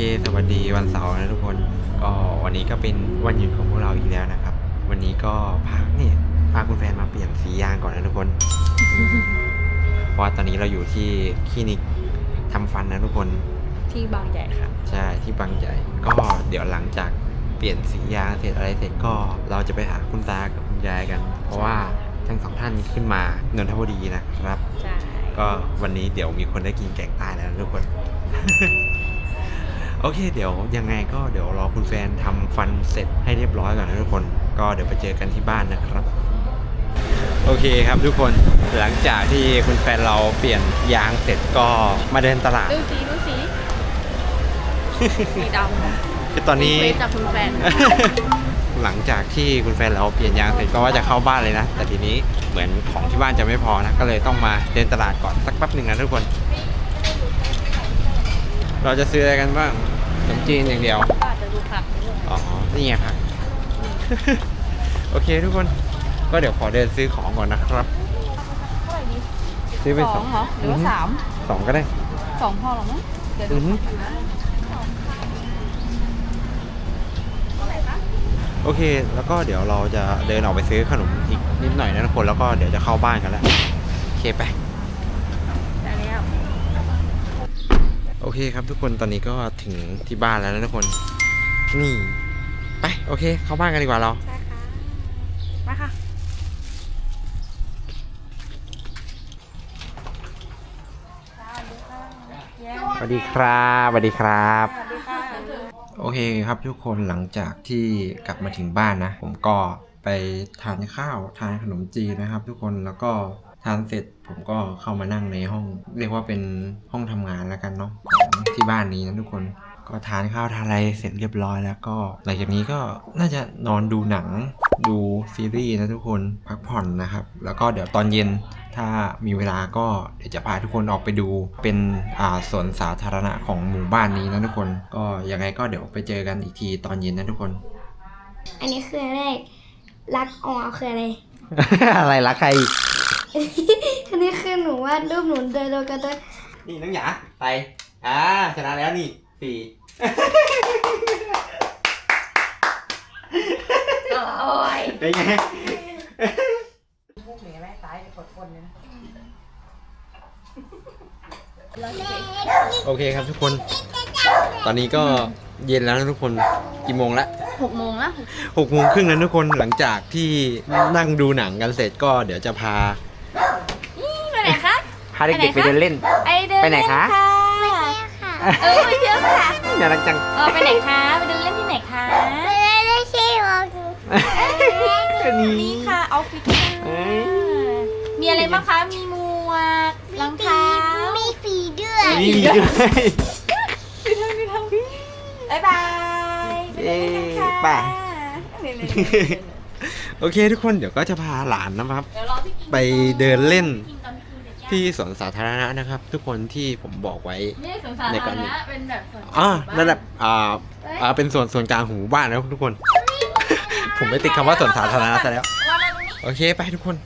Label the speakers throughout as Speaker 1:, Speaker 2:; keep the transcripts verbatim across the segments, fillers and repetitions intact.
Speaker 1: สวัสดีวันเสาร์นะทุกคนก็วันนี้ก็เป็นวันหยุดของพวกเราอีกแล้วนะครับวันนี้ก็พาเนี่ยพาคุณแฟนมาเปลี่ยนสียางก่อนนะทุกคน เพราะว่าตอนนี้เราอยู่ที่คลินิกทำฟันนะทุกคน
Speaker 2: ที่บางใหญ่ค่ะ
Speaker 1: ใช่ที่บางใหญ่ก็เดี๋ยวหลังจากเปลี่ยนสียางเสร็จอะไรเสร็จก็เราจะไปหาคุณตากับคุณยายกัน เพราะว่าทั้งสองท่านขึ้นมานนทบุรีนะครับ
Speaker 2: ใช่
Speaker 1: ก็วันนี้เดี๋ยวมีคนได้กินแกงใต้แล้วนะทุกคน โอเคเดี๋ยวยังไงก็เดี๋ยวรอคุณแฟนทำฟันเสร็จให้เรียบร้อยก่อนนะทุกคนก็เดี๋ยวไปเจอกันที่บ้านนะครับโอเคครับทุกคนหลังจากที่คุณแฟนเราเปลี่ยนยางเสร็จก็มาเดินตลาด
Speaker 2: ดูสีดูสี สีดำ
Speaker 1: คือตอนนี้
Speaker 2: จากคุณแฟน
Speaker 1: หลังจากที่คุณแฟนเราเปลี่ยนยางเสร็จก็ว่าจะเข้าบ้านเลยนะแต่ทีนี้เหมือนของที่บ้านจะไม่พอนะก็เลยต้องมาเดินตลาดก่อนสักแป๊บหนึ่งนะทุกคนเราจะซื้ออะไรกันบ้างขนมจีนอย่างเดียว
Speaker 2: ก็อาจจะดูผัก
Speaker 1: อ๋อนี่ไงผัก โอเคทุกคนก็เดี๋ยวขอเดินซื้อของก่อนนะครับ
Speaker 2: เท่าไหร่ดี
Speaker 1: ซื้อไปสอง
Speaker 2: เหรอหรือว่าสาม
Speaker 1: สองก็ได้
Speaker 2: สองพอหรอมั้งเดี๋ยวดู
Speaker 1: โอเคแล้วก็เดี๋ยวเราจะเดินออกไปซื้อขนมอีกนิดหน่อยนะทุกคนแล้วก็เดี๋ยวจะเข้าบ้านกันแล้วโอเคไปโอเคครับทุกคนตอนนี้ก็ถึงที่บ้านแล้วนะทุกคนนี่ไปโอเคเข้าบ้านกันดีกว่าเรา
Speaker 2: ใช่ค่ะมาค่ะ
Speaker 1: สวัสดีครับสวัสดีครับโอเคครับทุกคนหลังจากที่กลับมาถึงบ้านนะผมก็ไปทานข้าวทานขนมจีนนะครับทุกคนแล้วก็ทานเสร็จผมก็เข้ามานั่งในห้องเรียกว่าเป็นห้องทำงานแล้วกันเนาะของที่บ้านนี้นะทุกคนก็ทานข้าวทานอะไรเสร็จเรียบร้อยแล้วก็หลังจากนี้ก็น่าจะนอนดูหนังดูซีรีส์นะทุกคนพักผ่อนนะครับแล้วก็เดี๋ยวตอนเย็นถ้ามีเวลาก็เดี๋ยวจะพาทุกคนออกไปดูเป็นอ่าสวนสาธารณะของหมู่บ้านนี้นะทุกคนก็ยังไงก็เดี๋ยวไปเจอกันอีกทีตอนเย็นนะทุกคน
Speaker 3: อันนี้คืออะไรรักออคืออะไร
Speaker 1: อะไรรักใคร
Speaker 3: อันนี้คือหนูวาดรูปหนูเดินโดยกันตัว
Speaker 1: นี่น้องหยาไปอ่าชนะแล้วนี่สี่
Speaker 2: โอ้ย
Speaker 1: เป็นไง
Speaker 2: พวกเหนือแม่ตายกดคนเลยนะ
Speaker 1: โอเคครับทุกคนตอนนี้ก็เย็นแล้วนะทุกคนกี่โมงละ
Speaker 2: หกโมงแล้ว
Speaker 1: หกโมงครึ่งแล้วทุกคนหลังจากที่นั่งดูหนังกันเสร็จก็เดี๋ยวจะพา
Speaker 2: ไปไหนคะ
Speaker 1: พาเด็กๆไปเดินเล่น
Speaker 2: ไปไหนคะ
Speaker 3: ไม่ใช่ค่ะ
Speaker 2: เออไปเที่ยวค่ะ
Speaker 1: น่ารักจัง
Speaker 2: เออไปไหนคะไปเดินเล่นที่ไหนคะ
Speaker 3: ไปเล่นไม่ใช่หรอก
Speaker 2: นี่ค่ะออฟฟิศมีอะไรบ้างคะมีหมวกรองเท้า
Speaker 3: มีฝีด้วย
Speaker 1: มีด้วย
Speaker 2: บ๊ายบาย
Speaker 1: เอ๊ะป่ะโอเคทุกคนเดี๋ยวก็จะพาหลานนะครับไปเดินเล่นที่สวนสาธารณะนะครับทุกคนที่ผมบอกไว้ในก่อนนี้
Speaker 2: เป็นแบบ
Speaker 1: อ่านั่นแหละอ่าอ่าเป็นส่วนส่วนกลางของหมู่บ้านนะทุกคน ผมไม่ติดคำว่าสวนสาธารณะซะแล้วโอเคไปทุกคน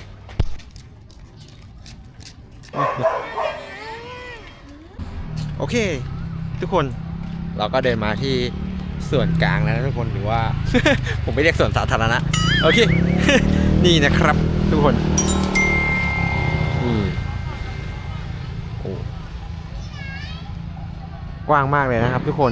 Speaker 1: โอเคทุกคนเราก็เดินมาที่ส่วนกลางแล้วนะทุกคนหรือว่า ผมไม่เรียกส่วนสาธารณะโอเค นี่นะครับทุกคนนี่โอ้กว้างมากเลยนะครับทุกคน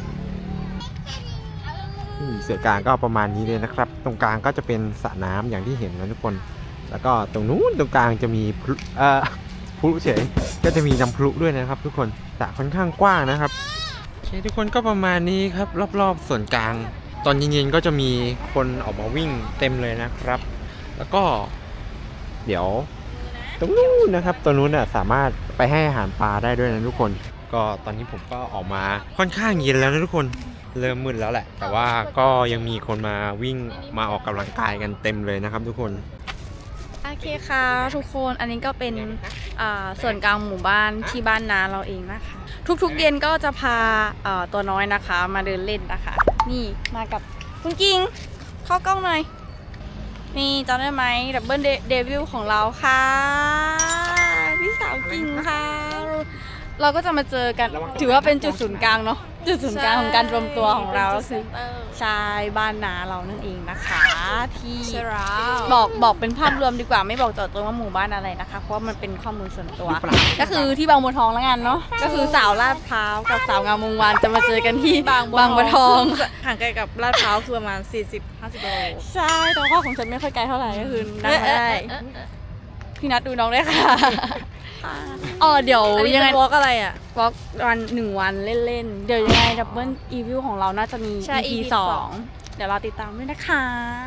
Speaker 1: ส่วนกลางก็ประมาณนี้เลยนะครับตรงกลางก็จะเป็นสระน้ำอย่างที่เห็นนะทุกคนแล้วก็ตรงนู้นตรงกลางจะมีพลุเอ่อพลุเฉยก็จะมีน้ำพลุด้วยนะครับทุกคนสระค่อนข้างกว้างนะครับโอเคทุกคนก็ประมาณนี้ครับรอบๆส่วนกลางตอนเย็นๆก็จะมีคนออกมาวิ่งเต็มเลยนะครับแล้วก็เดี๋ยวตรงนู้นนะครับตรงนู้นน่ะสามารถไปให้อาหารปลาได้ด้วยนะทุกคนก็ตอนนี้ผมก็ออกมาค่อนข้างเย็นแล้วนะทุกคนเริ่มมืดแล้วแหละแต่ว่าก็ยังมีคนมาวิ่งมาออกกำลังกายกันเต็มเลยนะครับทุกคน
Speaker 2: โอเคค่ะทุกคนอันนี้ก็เป็นส่วนกลางหมู่บ้านที่บ้านนาเราเองนะคะทุกๆเย็นก็จะพาตัวน้อยนะคะมาเดินเล่นนะคะนี่มากับคุณกิ้งเข้ากล้องหน่อยนี่จำได้ไหมดับเบิลเดวิลของเราค่ะพี่สาวกิ้งค่ะเราก็จะมาเจอกันถือว่าเป็นจุดศูนย์กลางเนาะจุดศูนย์กลางของการรวมตัวของเราก็คือชายบ้านนาเรานั่นเองนะคะที่บอกบอกเป็นภาพรวมดีกว่าไม่บอกเจาะจงว่าหมู่บ้านอะไรนะคะเพราะว่ามันเป็นข้อมูลส่วนตัว ก็คือที่บางบัวทองแล้วกันเนาะก็คือสาวลาดพร้าวกับสาวงามวงวานจะมาเจอกันที่บางบัวทอง
Speaker 4: ห่างไกลกับลาดพร้าวคือประมาณ สี่สิบถึงห้าสิบ โล
Speaker 2: ใช่แต่ว่าของฉันไม่ค่อยไกลเท่าไหร่ก็คือนั่งมาได้พี่นัดดูน้องได้ค่ะอ๋อเดี๋ยว
Speaker 4: อันนี้
Speaker 2: ยังไง
Speaker 4: เป็นวอล์กอะไรอ่ะ
Speaker 2: วอล์กวันหนึ่งวันเล่นๆ เดี๋ยวยังไงดับเบิลอีวิวของเราน่าจะมี
Speaker 4: ใช่
Speaker 2: อี พี
Speaker 4: อี พี
Speaker 2: สอ
Speaker 4: สอง ง
Speaker 2: เดี๋ยวเราติดตามด้วยนะคะ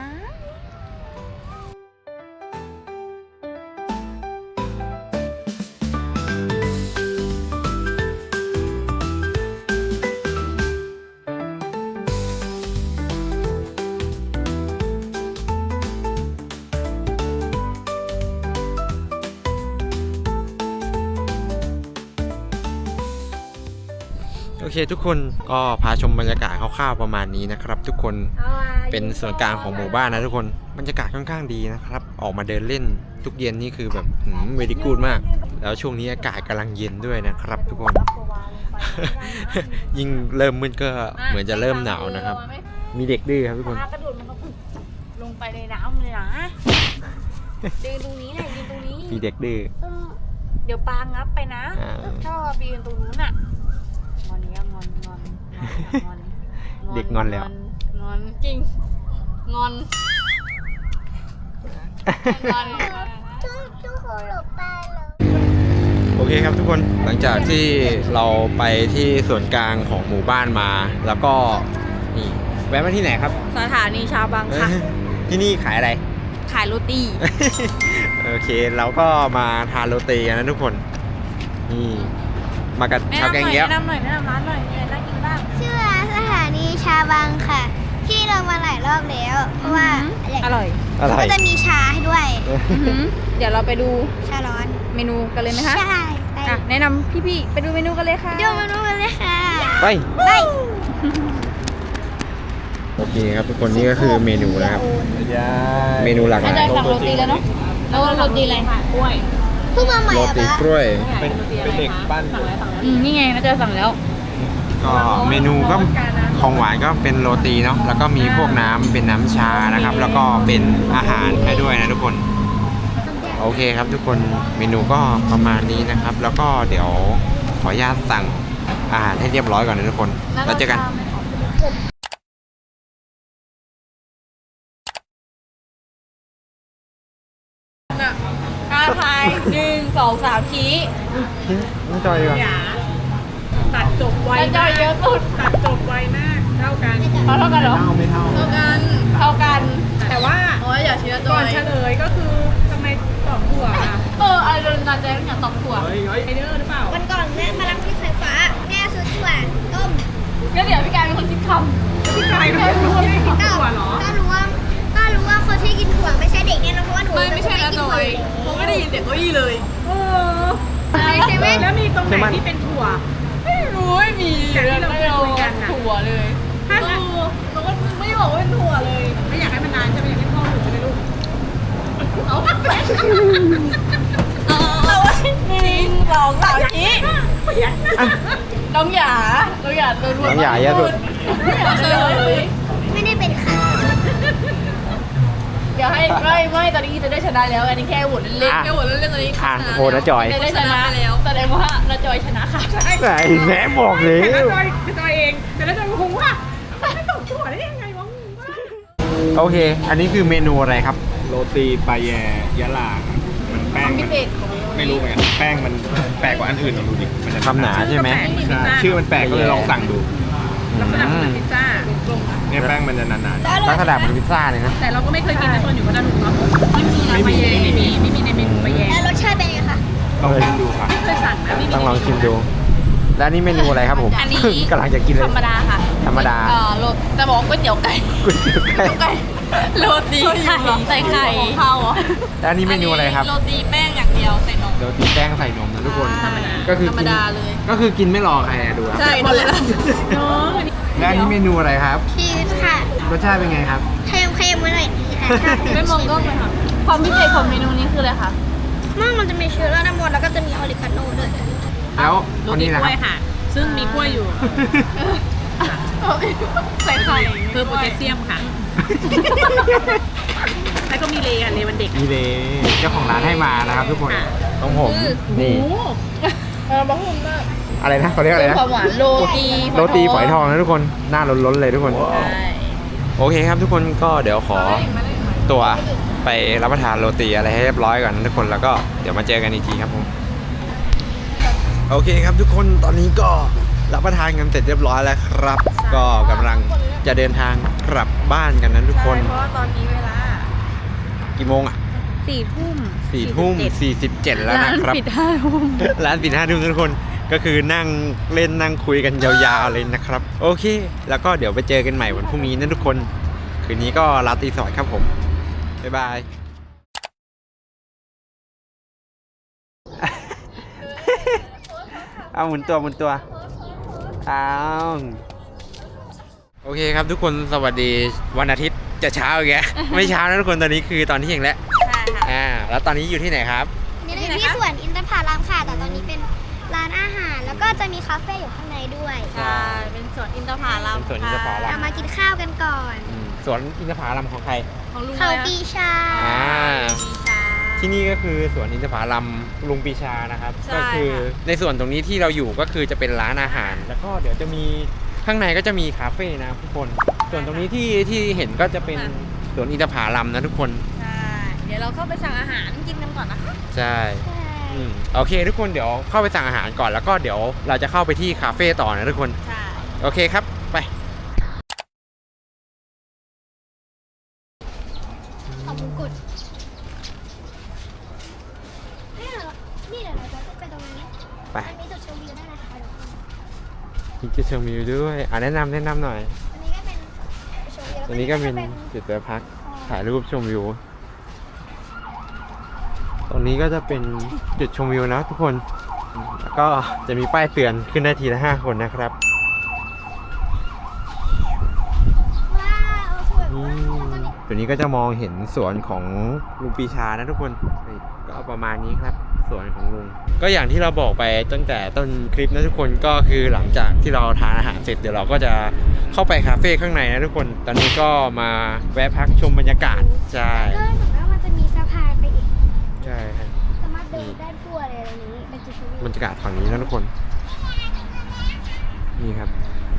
Speaker 1: โอเคทุกคนก็พาชมบรรยากาศคร่าวๆประมาณนี้นะครับ ทุกคนเป็นส่วนกลางของหมู่บ้านนะทุกคนบรรยากาศค่อนข้างดีนะครับ ออกมาเดินเล่นทุกเย็นนี่คือแบบเวดีกูดมาก แล้วช่วงนี้อากาศกำลังเย็นด้วยนะครับ ทุกคน ยิ่งเริ่มมืดก็เหมือนจะเริ่มหนาวนะครับ มีเด็กดื้อครับทุกคน
Speaker 2: ปลากระโดดมันก็ลงไปในน้ำเลยนะเดินตรงนี้แหละยืนตรงนี้
Speaker 1: มีเด็กดื้อ
Speaker 2: เออเดี๋ยวปลางับไปนะ
Speaker 1: อ่า
Speaker 2: ถ้าไปยืนตรงนู้นอ่ะงอนเนี้ยงอนงอนงอน
Speaker 1: เด็กงอนแล้ว
Speaker 2: งอนจริงงอนงอน
Speaker 1: โอเคครับทุกคนหลังจากที่เราไปที่ส่วนกลางของหมู่บ้านมา แล้วก็นี่แวะมาที่ไหนครับ
Speaker 2: สถานีชาวบางค่ะ
Speaker 1: ที่นี่ขายอะไร
Speaker 2: ขายโรตี
Speaker 1: โอเคเราก็มาทานโรตีกันนะทุกคนนี่มากับ
Speaker 2: แนะ
Speaker 1: ชาวแก
Speaker 2: นำห
Speaker 1: ง
Speaker 2: น่อย
Speaker 1: เงี้ยว
Speaker 2: แนะนำหน่อยแนะนำร้านหน่อยมีอะไรน่ากินบ้าง
Speaker 3: ชื่อร้านสถานีชาบังค่ะ ที่เรามาหลายรอบแล้ว เพราะว่า
Speaker 2: อร่อย
Speaker 1: อะไร
Speaker 3: ก็จะมีชาให้ด้วย
Speaker 2: เดี๋ยวเราไปดู
Speaker 3: ชาร้อน
Speaker 2: เมนูกันเลยไหมคะ
Speaker 3: ใช่ไป
Speaker 2: อ่ะแนะนำพี่ๆไปดูเมนูกันเลยค่ะ
Speaker 3: ดูเมนูกันเลยค่ะ
Speaker 1: ไป
Speaker 3: ไป
Speaker 1: โอเคครับทุกคนนี่ก็คือเมนูนะครับ เมนูหลากห
Speaker 2: อา
Speaker 1: ลา
Speaker 2: จาย รย์สั่งโรตีแล้วเนาะแล้วโรตีอะไรกล้วย
Speaker 3: เพิ่งมาใหม่
Speaker 1: โร
Speaker 3: อะ
Speaker 1: ตี
Speaker 3: ปะ
Speaker 1: กล้วย
Speaker 4: เป็นเป็นเด็กบ้าน
Speaker 2: อืมนี่ไงอาจารย์สั่งแล้ว
Speaker 1: ก็เมนูก็ของหวานก็เป็นโรตีเนาะแล้วก็มีพวกน้ำเป็นน้ำชานะครับ แล้วก็เป็นอาหารให้ด้วยนะทุกคน โอเคครับทุกคนเมนูก็ประมาณนี้นะครับ แล้วก็เดี๋ยวขออนุญาตสั่งอาหารให้เรียบร้อยก่อนนะทุกคนแล้วเจอกัน
Speaker 2: กาทายหนึ่งสองสามชี้
Speaker 1: น้องจอยดีกว่า
Speaker 4: ตัดจบไว
Speaker 2: แล้วจอยเยอะสุด
Speaker 4: ตัดจบไวมากเท่ากัน
Speaker 2: เขาเท่ากันเหรอ
Speaker 1: เท่าไม่เท่า
Speaker 2: เท่ากันเท่ากัน
Speaker 4: แต่ว่า
Speaker 2: โอ้ยอย่าเชื่อจ
Speaker 4: ก่
Speaker 2: อ
Speaker 4: อน
Speaker 2: ย
Speaker 4: เฉลยก็คือทำไมตอบถั่วอ่ะ
Speaker 2: เอออะไรโดนตาใจต้องอยากตอบถั่ว
Speaker 4: เฮ้ยไอเดอร์หรือเปล่า
Speaker 3: วันก่อนแม่มารับที่สายฟ้า แม่ซื้อถั่วต้ม
Speaker 2: งั้นเดี๋ยวพี่กายเป็นคนคิดคำ
Speaker 4: พี่กายไม่รู้ว่าไม่กินถั่วเหรอ
Speaker 3: ก็รู้ว่าก็รู้ว่าคนที่กินถั่วไม่ใช่เด็กแน่นอนเพราะว่าหนู
Speaker 2: ไม่ไม่ใช่นะจอย
Speaker 3: เพ
Speaker 2: ผมไม่ได้ยินเสียงเก้าอี้เลย
Speaker 4: เออ
Speaker 3: ในเซเว่น
Speaker 4: แล้วมีตรงไหนที่เป็นถั่ว
Speaker 2: ไม่รู้ไม่มี
Speaker 4: จากที่เราเคยคุยกันน่ะ
Speaker 2: ถั่วเลย
Speaker 4: ถ้า
Speaker 2: เออเราก็ไม่บอกว่าเป็นถั่วเลย
Speaker 4: ไม่อยากให้มันนานใช่ไหมอยากให้พ่อหนูใช่ไหมลูก
Speaker 2: เอาเอาไว้หนึ่งสองสามชี้ น้องหยา น้องหยาโดน
Speaker 1: น้องหยาเยอะสุด
Speaker 2: น้องหยาเฉลย
Speaker 3: ไม่ได้เป็นค่ะ
Speaker 2: เดี๋ยวให้ไม่ไม่ตอนนี้จะได้ชนะแล้ว อันนี้แค่โหวตเล่นๆ
Speaker 1: อ่ะ
Speaker 2: แค่โหวตเล่นๆตอนนี้
Speaker 1: อ่ะโหวตนะจอย
Speaker 2: ได้ชนะแล้วแสดงว่าเราจอยชนะค่ะ
Speaker 1: ไหนแม่บอกเลย
Speaker 4: แต่ละจอยคือจอยเองแต่ละจอยก็คงว่าไม่ตอบถั่วได้ยังไงวะงงมาก
Speaker 1: โอเค อันนี้คือเมนูอะไรครับ
Speaker 5: โรตีปลาแยยะลามันแป้ง
Speaker 2: พิ
Speaker 5: มัน
Speaker 2: เศษ
Speaker 5: ไม่รู้เหมือนกันแป้งมันแปลกกว่าอันอื่นลองดูดิมันจะ
Speaker 1: คำหนาใช่ไหม
Speaker 5: ใช่ชื่อมันแปลกก็เลยลองสั่งดู
Speaker 4: ลักษณะเหมือนพิซซ่า
Speaker 5: เนี่ยแป้งมันจะหนา
Speaker 1: ลักษณะเหมือนพิซซ่าเลยนะ
Speaker 4: แต่เราก็ไม่เคยกินในตอนอยู่พัทลุงเนาะไม่มีนะ
Speaker 5: ไม่
Speaker 4: ปลา
Speaker 5: มี
Speaker 4: แย
Speaker 5: ไม่มี
Speaker 4: ไม่มีไม่มีในเมนูปลาแย
Speaker 3: แล้วรสชาติเป็นไงคะ
Speaker 5: ๆลองชิมดูค่ะ
Speaker 4: ไม่เคยสั่งนะไม่มี
Speaker 1: ต้องลองชิมดู แล้วอันนี่เมนูอะไรครับผม
Speaker 2: อันนี้
Speaker 1: กำลังจะกินเลย
Speaker 2: ธรรมดาค่ะ
Speaker 1: ธรรมดา
Speaker 2: เออโรตจะบอกว่าก๋วยเตี๋ยวไก่
Speaker 1: ก๋วยเตี๋ยวไก่
Speaker 2: ไก่โรตีไข่ใส่ไข่ของเขาเหรอ
Speaker 1: แล้วอันนี้เมนูอะไรครับ
Speaker 2: โรตีแป้งอย่างเดียวใส่นม
Speaker 1: โรตีแป้งใส่นมนะทุกคน
Speaker 2: ธรรมดา
Speaker 1: ก็คือ
Speaker 2: ธรรม
Speaker 1: กิน
Speaker 2: ดาเลย
Speaker 1: ก็คือกินไม่รอใครอะดูครับ
Speaker 2: ใช่หมดเลยนะ
Speaker 4: น้องอันนี้
Speaker 1: แล้วอันนี้เมนูอะไรครับ
Speaker 3: ชีสค่ะ
Speaker 1: รสชาติเป็นไงครับ
Speaker 3: เค็มเค็มๆไว้หน่อยค่ะชอบ
Speaker 2: ไม่มองกล้องเลยค่ะ ความพิเศษของเมนูนี้คืออะไรคะ
Speaker 3: มั่งมันจะมีเชื้อราดน้ำมันแล้วก็จะมีออริกาโน่ด้วย
Speaker 1: แล้ว
Speaker 4: โร
Speaker 1: คน
Speaker 4: ตี
Speaker 1: นี้
Speaker 4: ก
Speaker 1: นะค
Speaker 4: ล้
Speaker 1: รั
Speaker 4: วย
Speaker 1: บ
Speaker 4: ค่ะซึ่งมีกล้วยอยู่
Speaker 2: ใส่ไข่
Speaker 4: เพิ่มโพแทสเซียมค่ะ แล้วก็มีเลอ่ะเลวันเด็ก
Speaker 1: นี่เลยเจ้าของร้านให้มานะครับทุกคนของผมนี่
Speaker 2: เออบะฮุ่มมาก
Speaker 1: อะไรนะเขาเรียกอะไรนะ
Speaker 2: ความหวานโรตี
Speaker 1: โรตีฝอยทองนะทุกคนหน้าล้นๆเลยทุกคน
Speaker 2: ใช่
Speaker 1: โอเคครับทุกคนก็เดี๋ยวขอตัวไปรับประทานโรตีอะไรให้เรียบร้อยก่อนนะทุกคนแล้วก็เดี๋ยวมาเจอกันอีกทีครับผมโอเคครับทุกคนตอนนี้ก็รับประทานกันเสร็จเรียบร้อยแล้วครับ ก็กำลังจะเดินทางกลับบ้านกันนะทุกคน
Speaker 2: ใช่เพราะว่าตอนนี้เวลา
Speaker 1: กี่โมงอ่ะ
Speaker 2: สี่ทุ่ม
Speaker 1: สี่ทุ่มสี่สิบเจ็ดแล้ว
Speaker 2: ร้า
Speaker 1: นะ
Speaker 2: น
Speaker 1: ครับ
Speaker 2: ปิดห้าทุ่ม
Speaker 1: ร้านปิดห้าทุ่มทุกคนก็คือนั่งเล่นนั่งคุยกันยาวๆเลยนะครับ โอเค แล้วก็เดี๋ยวไปเจอกันใหม่วันพรุ่งนี้นะทุกคน คืนนี้ก็ลาตรีสวัสดิ์ครับผม บ๊ายบาย เอาหมุนตัวหมุนตัวเอาโอเคครับทุกคนสวัสดีวันอาทิตย์จะเช้าอีกแก ไม่เช้านะทุกคนตอนนี้คือตอนเที่ยงแล้ว
Speaker 2: ใช่ค่ะ
Speaker 1: อ่าแล้วตอนนี้อยู่ที่ไหนครับ
Speaker 3: นี่เราอยู่ที่สวนอินทผลัมค่ะ แต่ตอนนี้เป็นร้านอาหาร แล้วก็จะมีคาเฟ่อยู่ข้างในด้วย
Speaker 2: ใช่ เป็นสวนอินทผลัม
Speaker 1: เป็นสวนอินทผลั
Speaker 3: เรามากินข้าวกันก่อน
Speaker 1: อืมสวนอินทผลัมของใคร
Speaker 2: ของลุง
Speaker 3: เขา
Speaker 2: เลยอะ
Speaker 3: ปีชา
Speaker 1: อ่า
Speaker 2: ปีชา
Speaker 1: ที่นี่ก็คือสวนอินทผลัมลุงปีชานะครับ
Speaker 2: ใช่
Speaker 1: ก็คือ
Speaker 2: ค่ะ
Speaker 1: ในส่วนตรงนี้ที่เราอยู่ก็คือจะเป็นร้านอาหาร แล้วก็เดี๋ยวจะมีข้างในก็จะมีคาเฟ่นะทุกคน ส่วนตรงนี้ที่ที่เห็นก็จะเป็นสวนอินทผลัมนะทุกคน
Speaker 2: ใช่ เดี๋ยวเราเข้าไปสั่งอาหารกินกันก่อนนะคะ
Speaker 1: ใช่อืมโอเคทุกคนเดี๋ยวเข้าไปสั่งอาหารก่อนแล้วก็เดี๋ยวเราจะเข้าไปที่คาเฟ่ต่อนะทุกคน
Speaker 2: ใช่
Speaker 1: โอเคครับไป
Speaker 3: ขอบคุณกุดนี่เหรอนี่เหรอเราจะไปตรงนี้
Speaker 1: ไป
Speaker 3: อันนี้จุดชมวิวได้นะคะทุกคน
Speaker 1: มีจุดชมวิวด้วยอ่ะแนะนำแนะนำหน่อย
Speaker 3: อันนี้ก็เป็นจุดชมวิว
Speaker 1: ตรงนี้ก็เป็นจุดแวะพักถ่ายรูปชมวิว ตรงนี้ก็จะเป็นจุดชมวิวนะทุกคน แล้วก็จะมีป้ายเตือนขึ้นได้ทีละห้าคนนะครับ
Speaker 3: ว้าวสวย
Speaker 1: อื
Speaker 3: มาก
Speaker 1: มตัวนี้ก็จะมองเห็นสวนของลุงปีชานะทุกคนนี่ก็ประมาณนี้ครับสวนของลุง ก็อย่างที่เราบอกไปตั้งแต่ต้นคลิปนะทุกคนก็คือหลังจากที่เราทานอาหารเสร็จเดี๋ยวเราก็จะเข้าไปคาเฟ่ข้างในนะทุกคน ตอนนี้ก็มาแวะพักชมบรรยากาศใช่
Speaker 3: เออเหมือนว่ามันจะมีสะพานไปอีก
Speaker 1: ใช่ครับ
Speaker 3: สามารถเดินได้ทั่วเลยอะไรนี้เป็นจุดชมวิว
Speaker 1: บรรยากาศฝั่งนี้นะทุกคน นี่ครับ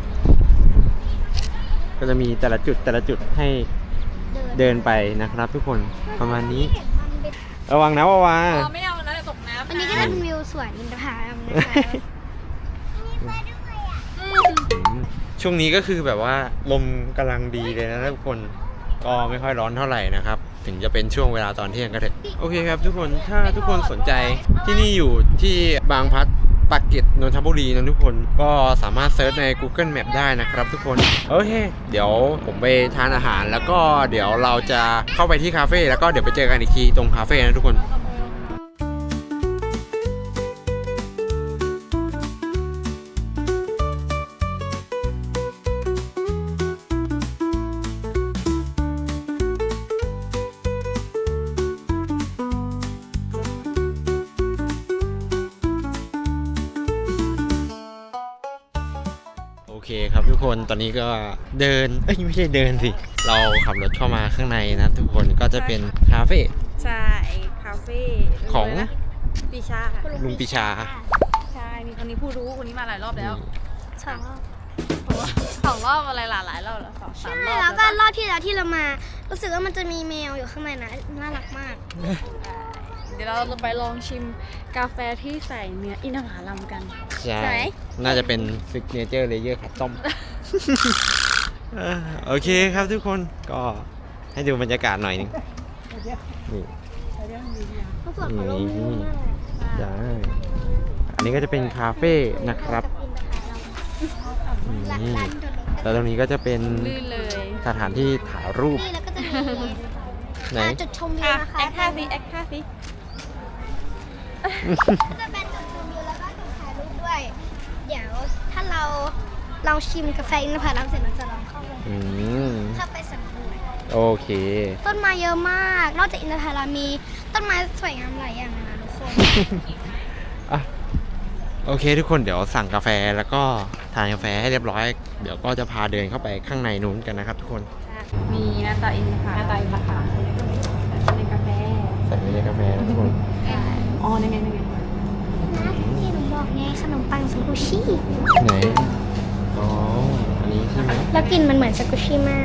Speaker 1: ก็จะมีแต่ละจุดแต่ละจุดให้เดินไปนะครับ ทุกคนประมาณนี้
Speaker 3: เห็นมันเป็น
Speaker 1: ระวังนะวาวา
Speaker 2: อ๋อไม่เอาแล้วเดี๋ยวตกน้ำ
Speaker 3: อันนี้ก็จะเป็นวิวสวนอินทผลัมนะคะมีไฟด้วยอ่ะ
Speaker 1: อืมช่วงนี้ก็คือแบบว่าลมกำลังดีเลยนะทุกคนก็ไม่ค่อยร้อนเท่าไหร่นะครับ ถึงจะเป็นช่วงเวลาตอนเที่ยงก็เถอะโอเคครับทุกคนถ้าทุกคนสนใจที่นี่อยู่ที่บางพลัดปากเกร็ดนนทบุรีนะทุกคนก็สามารถเซิร์ชใน Google Map ได้นะครับทุกคนโอเคเดี๋ยวผมไปทานอาหารแล้วก็เดี๋ยวเราจะเข้าไปที่คาเฟ่แล้วก็เดี๋ยวไปเจอกันอีกทีตรงคาเฟ่นะทุกคน โอเคครับทุกคนตอนนี้ก็เดินเอ้ยไม่ใช่เดินสิเราขับรถเข้ามาข้างในนะทุกคนก็จะเป็นคาเฟ่
Speaker 2: ใช่คาเฟ่
Speaker 1: ของ
Speaker 2: ปีชา
Speaker 1: ลุงปีชา
Speaker 2: ใช่ มีคนนี้ผู้รู้คนนี้มาหลายรอบแล้ว
Speaker 3: สองรอบ
Speaker 2: สองรอบอะไรหลายหลายรอบแล้วสองสามรอบ
Speaker 3: แล้วก็รอบที่แล้วที่เรามา รู้สึกว่ามันจะมีแมวอยู่ข้างในนะน่ารักมาก
Speaker 2: เดี๋ยวเราจะไปลองชิมกาแฟที่ใส่เนื้ออินทผลัมกัน
Speaker 1: ใช่
Speaker 2: ไหน
Speaker 1: น่าจะเป็นซิกเนเจอร์เลเยอร์ขัดต้ม อ่าโอเคครับทุกคนก็ให้ดูบรรยากาศหน่อยหนึงนี่
Speaker 3: เขาสวนเขาลงมือมากเลย
Speaker 1: ได้อันนี้ก็จะเป็นคาเฟ่นะครับอืม
Speaker 3: ร้านร้านจอดรถ
Speaker 1: แล้วตรงนี้ก็จะเป็น
Speaker 2: ลื่นเลย
Speaker 1: สถานที่ถ่ายรูป
Speaker 3: นี่แล้วก็จะมี
Speaker 1: ไหน
Speaker 3: ร้านจุดชมวิว
Speaker 2: อ่ะ
Speaker 3: นะคะ
Speaker 2: แอคท่าสิแอคท่าสิ
Speaker 3: ก็จะเป็นจุดชมวิวแล้วก็จุดถ่ายรูปด้วย เดี๋ยวถ้าเราลองชิมกาแฟอินทผลัมเสร็จเราจะลองเข้าไป
Speaker 1: อืม
Speaker 3: เข้าไปสำรวจ
Speaker 1: โอเค
Speaker 3: ต้นไม้เยอะมาก นอกจากอินทผลัมมีต้นไม้สวยงามหลายอย่างเลยนะทุกคน
Speaker 1: อ่ะโอเคทุกคนเดี๋ยวสั่งกาแฟแล้วก็ทานกาแฟให้เรียบร้อย เดี๋ยวก็จะพาเดินเข้าไปข้างในนู้นกันนะครับทุกคน
Speaker 2: มีหน้าตาอินค่ะหน้าตาอินค่ะเป็นกาแฟ
Speaker 1: ใส่ไว้ในกาแฟนะทุกคน
Speaker 2: อ๋อนี่ไงนี่ไง
Speaker 3: นะที่หนูบอกไงขนมปังสกูชี่
Speaker 1: ไหนอ๋ออันนี้ใช่ไหม
Speaker 3: แล้วกลิ่นมันเหมือนสกูชี่มาก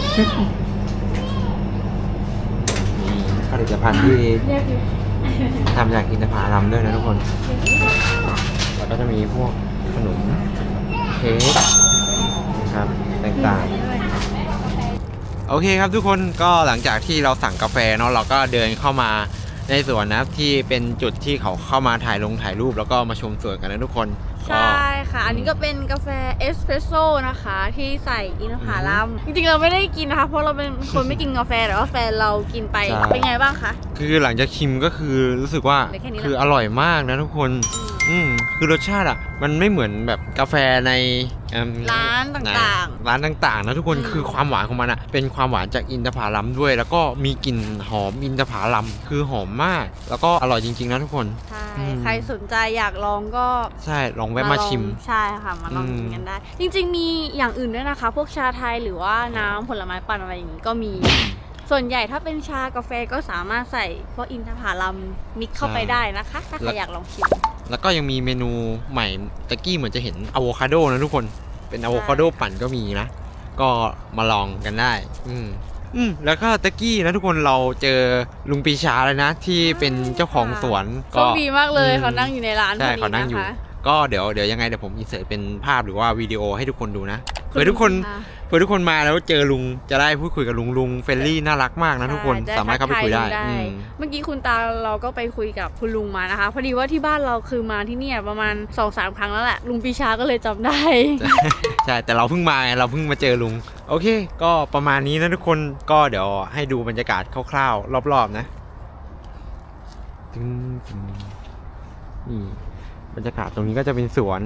Speaker 1: นี่ผลิตภัณฑ์ที่ทำจากอินทผลัมด้วยนะทุกคน แล้วก็จะมีพวกขนมเค้กนะครับต่างๆโอเคครับทุกคนก็หลังจากที่เราสั่งกาแฟเนาะเราก็เดินเข้ามาในสวนนะที่เป็นจุดที่เขาเข้ามาถ่ายลงถ่ายรูปแล้วก็มาชมสวนกันนะทุกคน
Speaker 2: ใช่ค่ะ อันนี้ก็เป็นกาแฟเอสเพรสโซ่นะคะที่ใส่อินทผลัมจริงๆเราไม่ได้กินนะคะเพราะเราเป็นคนไม่กินกาแฟแต่ว่าแฟนเรากินไปเป็นไงบ้างคะ
Speaker 1: คือหลังจากชิมก็คือรู้สึกว่า
Speaker 2: เหลือแค่นี้ละ
Speaker 1: คืออร่อยมากนะทุกคน อืมคือรสชาติอ่ะมันไม่เหมือนแบบกาแฟในเอิ่ม
Speaker 2: ร้านต่างๆ
Speaker 1: ร้านต่างๆนะทุกคน
Speaker 2: อืม
Speaker 1: คือความหวานของมันอ่ะเป็นความหวานจากอินทผลัมด้วย แล้วก็มีกลิ่นหอมอินทผลัมคือหอมมาก แล้วก็อร่อยจริงๆนะทุกคน
Speaker 2: ใช่
Speaker 1: อืม
Speaker 2: ใครสนใจอยากลองก็
Speaker 1: ใช่ลองแวะมาชิม
Speaker 2: ลองใช่ค่ะมาลอง
Speaker 1: อืม
Speaker 2: กินกันได้ จริงๆมีอย่างอื่นด้วยนะคะ พวกชาไทยหรือว่าน้ำผลไม้ปั่นอะไรอย่างนี้ก็มี ส่วนใหญ่ถ้าเป็นชากาแฟก็สามารถใส่พวกอินทผลัมมิกซ์เข้าไปได้นะคะ ถ้าใครอยากลองชิม
Speaker 1: แล้วก็ยังมีเมนูใหม่ตะกี้เหมือนจะเห็นอะโวคาโดนะทุกคนเป็นอะโวคาโดปั่นก็มีนะ ก็มาลองกันได้ อืมอืมแล้วก็ตะกี้นะทุกคนเราเจอลุงปีชาเลยนะ ที่เป็นเจ้าของสวน
Speaker 2: โชคดีมากเลย
Speaker 1: อืม
Speaker 2: เขานั่งอยู่ในร้านพ
Speaker 1: ใช่
Speaker 2: อดี
Speaker 1: เขานั่ง
Speaker 2: นะ
Speaker 1: อยู่
Speaker 2: คะ
Speaker 1: ก็เดี๋ยวเดี๋ยวยังไงเดี๋ยวผมอินเสิร์ตเป็นภาพหรือว่าวิดีโอให้ทุกคนดูนะ
Speaker 2: คุณ
Speaker 1: เผื่อทุกคน
Speaker 2: ค่ะ
Speaker 1: เผื่อทุกคนมาแล้วเจอลุงจะได้พูดคุยกับลุงลุงเฟรนลี่น่ารักมากนะทุกคน
Speaker 2: ใช่
Speaker 1: สามารถเข้าไปคุยได้
Speaker 2: ทักทา
Speaker 1: อื
Speaker 2: ลุง
Speaker 1: ม
Speaker 2: เมื่อกี้คุณตาเราก็ไปคุยกับคุณลุงมานะคะ พอดีว่าที่บ้านเราคือมาที่เนี่ยประมาณ สองสาม ครั้งแล้วแหละ ลุงปีชาก็เลยจำได้
Speaker 1: ใช่แต่เราเพิ่งมาไงเราเพิ่งมาเจอลุงโอเค ก็ประมาณนี้นะทุกคนก็เดี๋ยวให้ดูบรรยากาศคร่าวๆรอบๆนะตึ้งตึ้งนี่บรรยากาศตรงนี้ก็จะเป็นสวน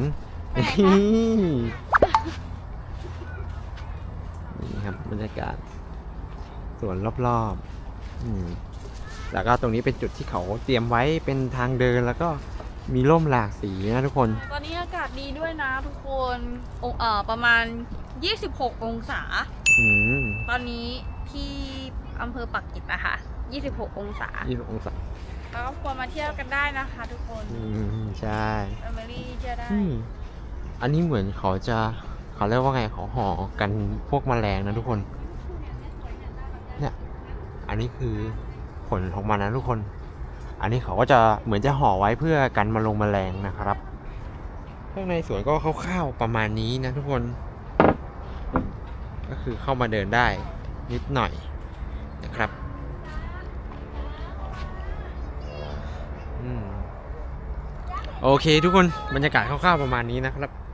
Speaker 1: นี่ครับบรรยากาศสวนรอบๆอืมแล้วก็ตรงนี้เป็นจุดที่เขาเตรียมไว้เป็นทางเดินแล้วก็มีร่มหลากสีนะทุกคน
Speaker 2: ตอนนี้อากาศดีด้วยนะทุกคนองเอ่อประมาณ ยี่สิบหก องศา
Speaker 1: อืม
Speaker 2: ตอนนี้ที่อำเภอปักกิจนะคะยี่สิบหก องศา
Speaker 1: ยี่สิบองศา
Speaker 2: แล้วก็ควรมาเที่ยวกันได้นะคะทุกคน
Speaker 1: อืมใช่
Speaker 2: แฟมิลี่เที่ยวได้
Speaker 1: อืมอันนี้เหมือนเขาจะเขาเรียกว่าไงเขาห่อกันพวกแมลงนะทุกคน เนี่ย อันนี้คือผลของมันนะทุกคน อันนี้เขาก็จะเหมือนจะห่อไว้เพื่อกันมาลงแมลงนะครับ ข้างในสวนก็คร่าวๆประมาณนี้นะทุกคน ก็คือเข้ามาเดินได้นิดหน่อยนะครับ อืม โอเคทุกคนบรรยากาศคร่าวๆประมาณนี้นะครับ